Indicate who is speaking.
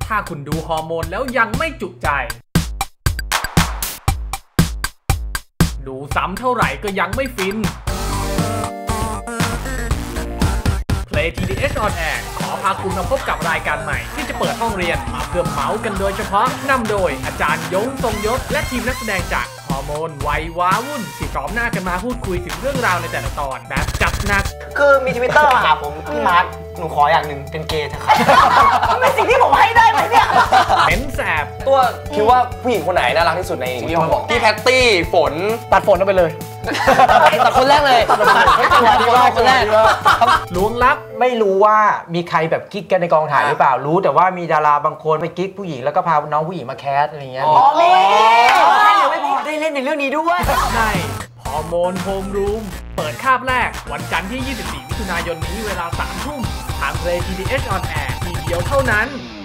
Speaker 1: ถ้าคุณดูฮอร์โมนแล้วยังไม่จุใจดูซ้ำเท่าไหร่ก็ยังไม่ฟิน Play TDH on Air ขอพาคุณมาพบกับรายการใหม่ที่จะเปิดห้องเรียนมาเพื่อเมาส์กันโดยเฉพาะนำโดยอาจารย์ยงทรงยศและทีมนักแสดงจากฮอร์โมนวัยว้าวุ่นที่พร้อมหน้ากันมาพูดคุยถึงเรื่องราวในแต่ละตอนแบบจัดหนัก
Speaker 2: คือมี Twitter มาหาผมพี่มาร์คหนูขออย่างหนึ่งเป็นเกย์เถอะครับเป็นสิ่งที่ผมให้ได้ไหมเนี่ย
Speaker 1: เป็นแสบ
Speaker 3: ตัวคิดว่าผู้หญิงคนไหนน่ารักที่สุดในที่เราบอกพี่แพตตี้ฝน
Speaker 2: ตัดฝนออกไปเลย
Speaker 3: ตัดคนแรกเลยตัดคนแรก
Speaker 1: ล้วงลับ
Speaker 2: ไม่รู้ว่ามีใครแบบกิ๊กกันในกองถ่ายหรือเปล่ารู้แต่ว่ามีดาราบางคนไปกิ๊กผู้หญิงแล้วก็พาน้องผู้หญิงมาแคสอะไรเงี้ยอ๋อแม่ยังไม่พอได้เล่นในเรื่องนี้ด้วย
Speaker 1: ใช่ฮอร์โมนโฮมรูมเปิดคาบแรกวันจันทร์ที่ 24 มิถุนายนนี้เวลา 3 ทุ่มทาง Play TDH on Air ทีเดียวเท่านั้น